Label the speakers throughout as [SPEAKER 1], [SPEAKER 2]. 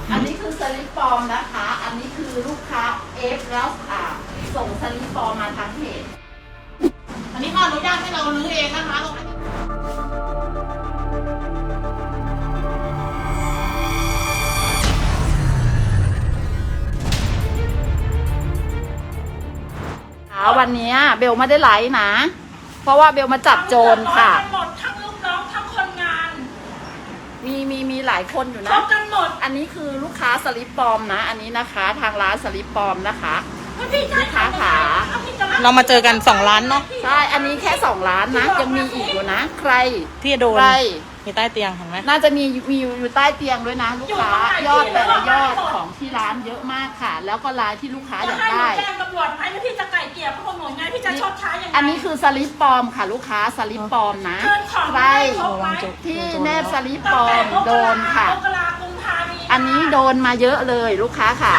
[SPEAKER 1] อันนี้คือสลิปปลอมนะคะ อันนี้คือลูกค้าเอฟแล้วส่งสลิปปลอมมาทางเพจ
[SPEAKER 2] อันนี้เขาอนุญาตให้เราลื้อเองนะคะ
[SPEAKER 1] วันนี้เบลไม่ได้ไลฟ์นะ เพราะว่าเบลมาจับโจรค่ะ
[SPEAKER 2] หมดทั้งลูกน้องทั้งคนงาน
[SPEAKER 1] มีหลายคนอยู่นะ
[SPEAKER 2] กันหมด
[SPEAKER 1] อันนี้คือลูกค้าสลิปปลอมนะอันนี้นะคะทางร้านสลิปปลอมนะคะลูกค้าขา
[SPEAKER 3] เรามาเจอกัน2 ล้านเนาะ
[SPEAKER 1] ใช่อันนี้แค่2 ล้านนะยังมีอีกอยู่นะใคร
[SPEAKER 3] ที่โดน
[SPEAKER 1] ใคร
[SPEAKER 3] มีใต้เตียงเห็นไหม
[SPEAKER 1] น่าจะมีอยู่ใต้เตียงด้วยนะลูกค้ายอดแต่ละยอดของที่ร้านเยอะมากค่ะแล้วก็รายที่ลูกค้าอยากได้
[SPEAKER 2] แจ้งตำรวจให้พี่จะไก่เกลี่ยเพราะหนูไงพี่จะชดใช้ยังไง
[SPEAKER 1] อันนี้คือสลิปปลอมค่ะลูกค้าสลิปปลอมนะใครที่แนบสลิปปลอมโดนค่ะอันนี้โดนมาเยอะเลยลูกค้าขา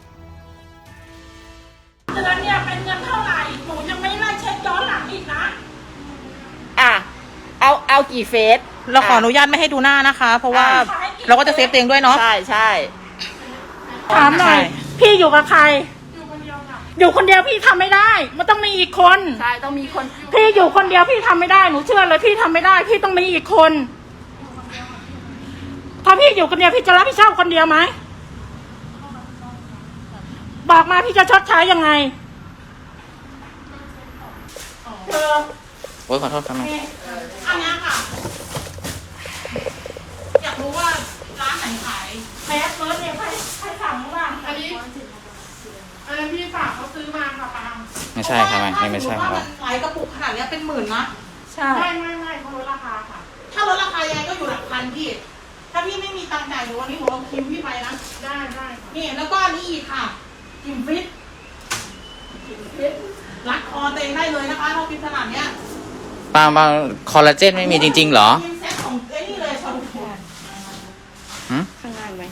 [SPEAKER 2] เดือนเนี่ยเป็นเงินเท่าไหร่หนูยังไม่ไล่เช็คย้อนหลังอีกนะ
[SPEAKER 1] เอากี่เฟส
[SPEAKER 3] เราขออนุญาตไม่ให้ดูหน้านะคะ เพราะว่าเราก็จะเซฟเองด้วยเนาะ
[SPEAKER 1] ใช่
[SPEAKER 2] ถามหน่อยพี่อยู่กับใครอยู่คนเดียวพี่ทำไม่ได้มันต้องมีอีกคน
[SPEAKER 1] ใช่ต้องมีคน
[SPEAKER 2] พี่อยู่คนเดียวพี่ทำไม่ได้หนูเชื่อเลยพี่ทำไม่ได้พี่ต้องมีอีกคนถ้าพี่อยู่คนเดียวพี่จะรับผิดชอบคนเดียวไหมบอกมาพี่จะชดใช้ยังไง
[SPEAKER 3] โอ้ยขอโทษครับแม่
[SPEAKER 2] อันนี้ค่ะอยากรู้ว่าร้านไหนขายแพ้เฟิร์สเนี่ยใครสั่งบ้างอันนี้พี่ฝากเขาซื้อมาค่ะปัง
[SPEAKER 3] ไม่ใช่ครับไม่ใช่ของเรา
[SPEAKER 2] ขายกระปุกขนาดนี้เป็น10,000นะ
[SPEAKER 1] ใช่
[SPEAKER 2] ไม่เขาลดราคาค่ะถ้าลดราคายังไงก็อยู่หลักพันพี่ถ้าพี่ไม่มีตังค์จ่ายเดี๋ยววันนี้หนูเอาคิวพี่ไปนะได้นี่แล้วก็นี่อีกค่ะกิมฟิตรัดคอเต็งได้เลยนะคะถ้าฟิตขนาดเนี้ย
[SPEAKER 3] บางคอลลาเจนไม่มีจริงๆเหรอ
[SPEAKER 2] เซ็ตของนี่เลยชาลูแคน
[SPEAKER 1] ข้างล่างไหม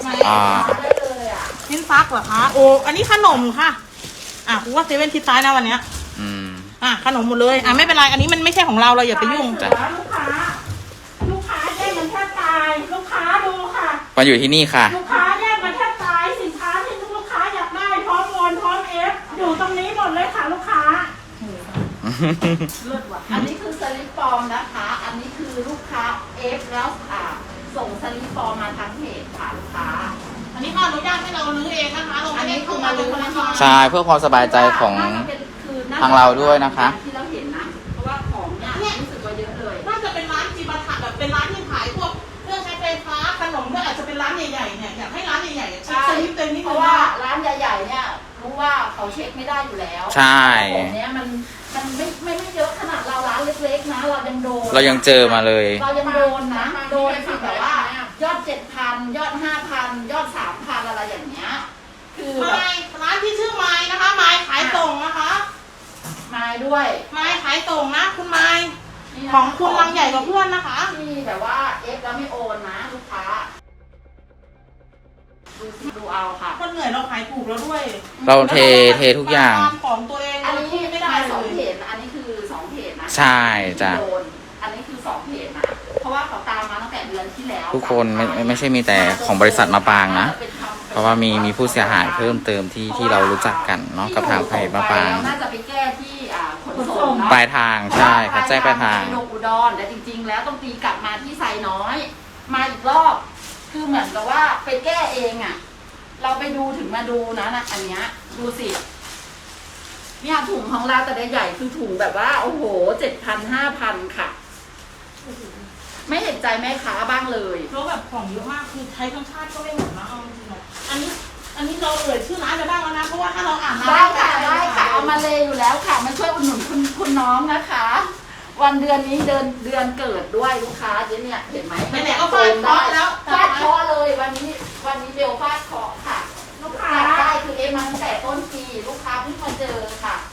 [SPEAKER 2] ชิ้นฟักเหรอคะโอ้อันนี้ขนมค่ะกูว่าเซเว่นทิศซ้ายนะวันเนี้ยขนมหมดเลยไม่เป็นไรอันนี้มันไม่ใช่ของเราอย่าไปยุ่งจ้ะลูกค้าแย่งมันแทบตายลูกค้าดูค่ะ
[SPEAKER 3] มาอยู่ที่นี่ค่ะ
[SPEAKER 2] ลูกค้าแย่งมันแทบตายสินค้าที่ลูกค้าอยากได้พร้อมโอนพร้อมเอฟอยู่ตรงนี้หมดเลยค่ะลูกค้า
[SPEAKER 1] เลิศว่ะอันนี้คือสลิปปลอมนะคะอันนี้คือลูกค้าเอฟแล้วส่งสลิปปลอมมาทางเพจค่ะลูกค้า
[SPEAKER 2] อันนี้เขาอนุญาตให้เราลื้อเองนะคะเราไม่ได้เข้ามาลื้อนะคะ
[SPEAKER 3] ใช่เพื่อความสบายใจของทางเราด้วยนะคะ
[SPEAKER 1] ที่เราเห็นนะเพราะว่าของเนี่ยรู้สึกว่าเยอะเลย
[SPEAKER 2] น่าจะเป็นร้านจีบะถะแบบเป็นร้านที่ขายพวกเครื่องใช้ไฟฟ้าขนมด้วยอาจจะเป็นร้านใหญ่ๆเนี่ยอยากให้ร้านใหญ่ๆเช็คสลิปเต็มนิดนึง
[SPEAKER 1] เพราะว่าร้านใหญ่ๆเนี่ยรู้ว่าเขาเช็คไม่ได้อยู่แล้ว
[SPEAKER 3] ใช่
[SPEAKER 1] ของเนี้ยมันไม่เยอะขนาดเราร้านเล็กๆนะเรายังโดน
[SPEAKER 3] เรายังเจอมาเลย
[SPEAKER 1] เรายังโดนนะโดนคือแบบว่ายอด 7,000 ยอด 5,000 ยอด 3,000 อะไรอย่างเงี้ยคือ
[SPEAKER 2] ร้านที่ชื่อไม้นะคะไม้ขายส่งนะคะ
[SPEAKER 1] ไม้ด้วย
[SPEAKER 2] ไม้ขายส่งนะคุณไม้ของคุณลังใหญ่กว่าเพื่อนนะคะ
[SPEAKER 1] ที่แบบว่าเอฟแล้วไม่โอนนะลูกค้าดูเอาค่ะ
[SPEAKER 2] คนเหนื่อยเราขายถูกแล้วด้วย
[SPEAKER 3] เราเททุกอย่าง
[SPEAKER 2] ของตัวเอง
[SPEAKER 1] อันนี้ไม่ได้2เพจอันนี้คือ2เพจนะ
[SPEAKER 3] ใช่จ้ะ
[SPEAKER 1] อันนี้คือ2เพจนะเพราะว่าเขาตามมาตั้งแต่เดือนที่แล้ว
[SPEAKER 3] ทุกคนไม่ใช่มีแต่ของบริษัทมาปางนะเพราะว่ามีผู้เสียหายเพิ่มเติมที่เรารู้จักกันเนาะกับทางเพจมาปาง
[SPEAKER 1] น่าจะไปแก้ที่ขนส่ง
[SPEAKER 3] ปลายทางใช่ค่ะแจ้งปลายทาง
[SPEAKER 1] ลงอุดรแต่จริงๆแล้วต้องตีกลับมาที่ไซน้อยมาอีกรอบคือเหมือนกับว่าไปแก้เองเราไปดูถึงมาดูนะอันเนี้ยดูสิเนี่ยถุงของเราแต่ใหญ่คือถุงแบบว่าโอ้โห7,000 5,000ค่ะไม่เห็นใจแม่ค้าบ้างเลย
[SPEAKER 2] เพราะแบบของเยอะมากคือใช้ทั้งชาติก็ไม่หมดนะเอาจริงๆอันนี้เราชื่อร้านจะบ้างแล้วนะเพราะว่าถ้าเราอ่าน
[SPEAKER 1] ได้ค่ะเอามาเลยอยู่แล้วค่ะมาช่วยอุดหนุนคุณน้องนะคะวันเดือนนี้เดือนเกิดด้วยลูกค้าเนี่ยเห็นไหม
[SPEAKER 2] ไหนๆก็ฟาดเคาะแล้ว
[SPEAKER 1] ฟาดเคาะเลยวันนี้เบลฟาดเคาะค่ะลูกค้าได้คือเอมาตั้งแต่ต้นปีลูกค้าเพิ่งมาเจอค่ะ